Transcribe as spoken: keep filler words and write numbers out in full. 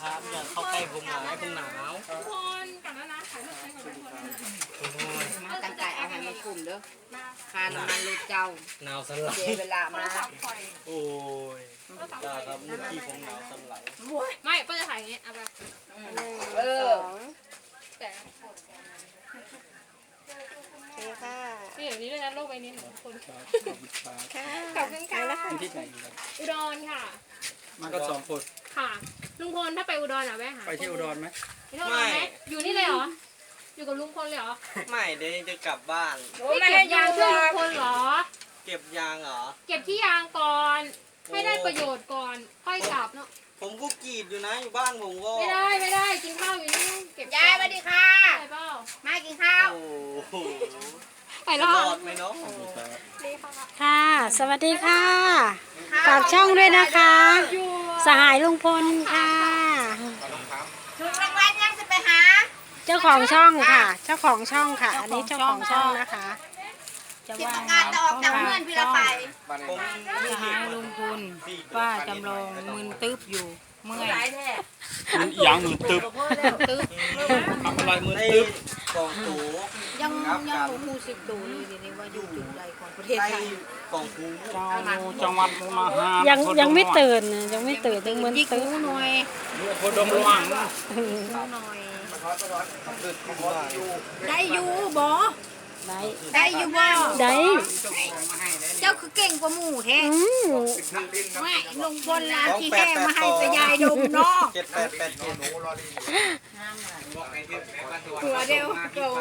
ครับอย่าเข้าใกล้ผมหนาวผมหนาวทุกคนก่อนแล้วนะถ่ายรูปใช้ก่อนทุกคนมาตั้งใจเอาให้มันคุ้มเด้อค่าน้ำมันรถเจ้าหนาวสันไหลเสียเวลาโทมารศัพท์คอยโอ้ยจ้าครับเมื่อกี้ผมหนาวสันไหลไม่ก็จะถ่ายอย่างงี้เอาแบบเออแต่โอเคค่ะนี่อย่างนี้ด้วยนะโลกใบนี้ของคนค่ะขอบคุณค่ะที่ไหนครับอุดรค่ะมาก็สองคนค่ะลุงพลถ้าไปอุดรอ่ะแวะหาไปที่อุดรไหมไปที่อุดรไหมอยู่นี่เลยเหรออยู่กับลุงพลเลยเหรอไม่เดี๋ยวจะกลับบ้านไม่เก็บยางช่วยลุงพลเหรอเก็บยางเหรอเก็บที่ยางก่อน ให้ได้ประโยชน์ก่อนค่อยกลับเนาะผมก็กรีดอยู่นะอยู่บ้านผมก็ไม่ได้ไม่ได้กินข้าวอยู่นี่เก็บยายสวัสดีค่ะไปเปล่ามากินข้าวโอ้โหไปจะรอรอดดไหมเนาะค่ะ สวัสดีค่ะฝากช่องด้วยนะคะอยู่สหายลุงพลค่ะถูกรางวัลยังจะไปหาเจ้าของช่องค่ะ เจ้าของช่องค่ะ อันนี้เจ้าของช่องนะคะจะที่ว่าประกาศจะออกจากเพื่อนพี่ละไปผมสหายลุงพลป้าจำลองมึนตึ๊บอยู่เมื่อยหลายแท้มันยางมือตึบตึ๊บทำอะไรมือไอ้ตึบกล่องตูยังยังบ่ฮู้สึกตัวเลยเดี๋ยวนี้ว่าอยู่จุดใดของประเทศไอ้ไทยกล่องตูเจ้าจังหวัดมุกดาหารยังยังไม่ตื่นนะยังไม่ตื่นยังเหมือนจิกตื่นหูหน่อยโคดมระวังหูหน่อยได้อยู่บ่ได้ได้อยู่บ่ได้เจ้าคือเก่งกว่าหมู่แท้อืมไม่ลงบนลาที่แค่มาให้ไปยายดมเนาะเจ็ดแปดแปดเจ็ดหัวเดียว